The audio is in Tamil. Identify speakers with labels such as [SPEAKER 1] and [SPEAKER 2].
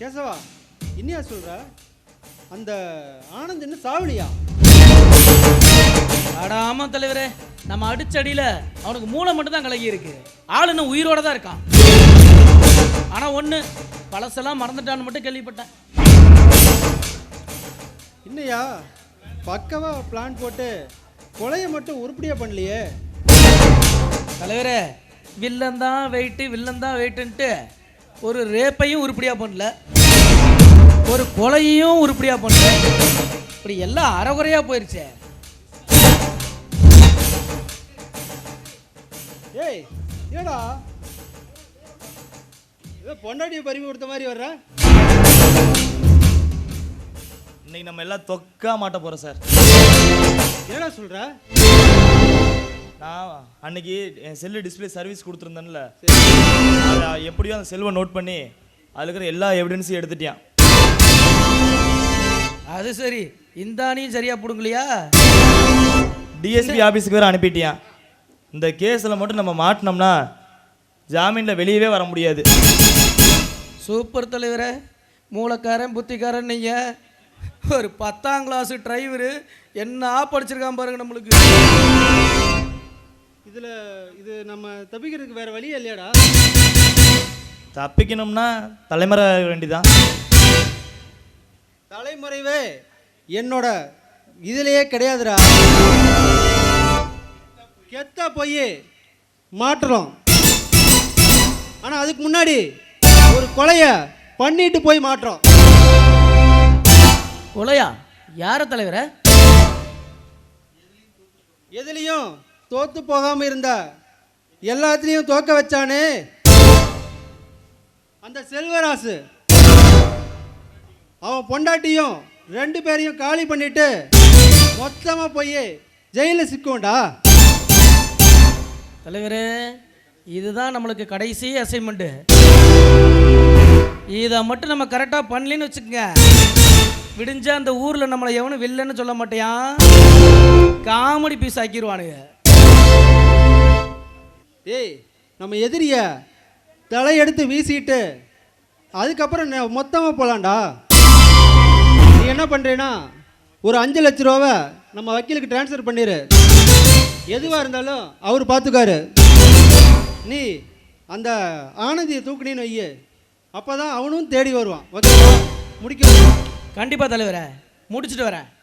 [SPEAKER 1] கேசவா, என்னையா சொல்ற? அந்த ஆனந்த் என்ன சாவலியா?
[SPEAKER 2] அட ஆமா தலைவரே, நம்ம அடிச்சடியில அவனுக்கு மூளை மட்டும் தான் கலகி இருக்கு. ஆளு இன்னும் உயிரோட தான் இருக்கான். ஆனா ஒண்ணு, பழசெல்லாம் மறந்துட்டான்னு மட்டும் கேள்விப்பட்டேன்.
[SPEAKER 1] என்னையா பக்கவா பிளான் போட்டு கொலையை மட்டும் உருப்படியா பண்ணலையே?
[SPEAKER 2] தலைவரே, வில்லன் தான் வெயிட்டுன்ட்டு ஒரு ரேப்பையும் உருப்படியா பண்ணல, ஒரு கொலையையும் உருப்படியா பண்ணல. இப்படி எல்லாம் அறகுறையா போயிருச்சே.
[SPEAKER 1] ஏய் ஏடா, ஏதோ பொண்டாட்டியை பறிவு கொடுத்த மாதிரி வர்ற?
[SPEAKER 3] இன்னைக்கு நம்ம எல்லாம் தொக்கா மாட்ட போறோம் சார்.
[SPEAKER 1] என்னடா சொல்ற?
[SPEAKER 3] நான் அன்னைக்கு என் செல்லு டிஸ்பிளே சர்வீஸ் கொடுத்துருந்தேன்ல, அதை எப்படியோ அந்த செல்வை நோட் பண்ணி அதில் இருக்கிற எல்லா எவிடன்ஸையும் எடுத்துட்டியான்.
[SPEAKER 2] அது சரி, இந்தானியும் சரியா புடுங்கலையா?
[SPEAKER 3] டிஎஸ்பி ஆஃபீஸுக்கு வேறு அனுப்பிட்டியான். இந்த கேஸில் மட்டும் நம்ம மாட்டினோம்னா ஜாமீனில் வெளியவே வர முடியாது.
[SPEAKER 2] சூப்பர் தலைவரே, மூளைக்காரன் புத்திக்காரன் நீங்க. ஒரு 10ஆம் கிளாஸ் டிரைவரு என்ன படிச்சிருக்கான் பாருங்க நம்மளுக்கு.
[SPEAKER 1] இது நம்ம தப்பிக்கிறதுக்கு வேற வழியே இல்லையாடா?
[SPEAKER 3] தப்பிக்கணும்னா தலைமுறை வேண்டிதான்.
[SPEAKER 1] தலைமுறைவே என்னோட இதுலயே கிடையாதுடா. கெத்தா போய் மாட்டுறோம். ஆனா அதுக்கு முன்னாடி ஒரு கொலைய பண்ணிட்டு போய் மாட்டுறோம்.
[SPEAKER 2] கொலையா? யார தலைவரே?
[SPEAKER 1] எதுலையும் தோத்து போகாம இருந்தா எல்லாத்துலயும் தோக்க வச்சானே அந்த செல்வராசு, அவன் பொண்டாட்டியும் 2 பேரையும் காலி பண்ணிட்டு மொத்தமா போய் ஜெயில சிக்கும்டா.
[SPEAKER 2] தலைவரே, இதுதான் நம்மளுக்கு கடைசி அசைன்மெண்ட். இதை மட்டும் நம்ம கரெக்டாக பண்ணலன்னு வச்சுக்கோங்க, விடிஞ்ச அந்த ஊரில் நம்மளை எவனும் வில்லன்னு சொல்ல மாட்டேன், காமெடி பீஸ் ஆக்கிடுவானுங்க.
[SPEAKER 1] டேய், நம்ம எதிரிய தலையெடுத்து வீசிட்டு அதுக்கப்புறம் மொத்தமாக போகலான்டா. நீ என்ன பண்ணுறேன்னா, ஒரு 5 லட்ச ரூபாவை நம்ம வக்கீலுக்கு ட்ரான்ஸ்ஃபர் பண்ணிடு. எதுவாக இருந்தாலும் அவர் பார்த்துக்காரு. நீ அந்த ஆனந்தியை தூக்குனின்னு வைய, அப்போ தான் அவனும் தேடி வருவான். ஓகேவா? முடிக்க.
[SPEAKER 2] கண்டிப்பாக தலைவரே, முடிச்சுட்டு வரேன்.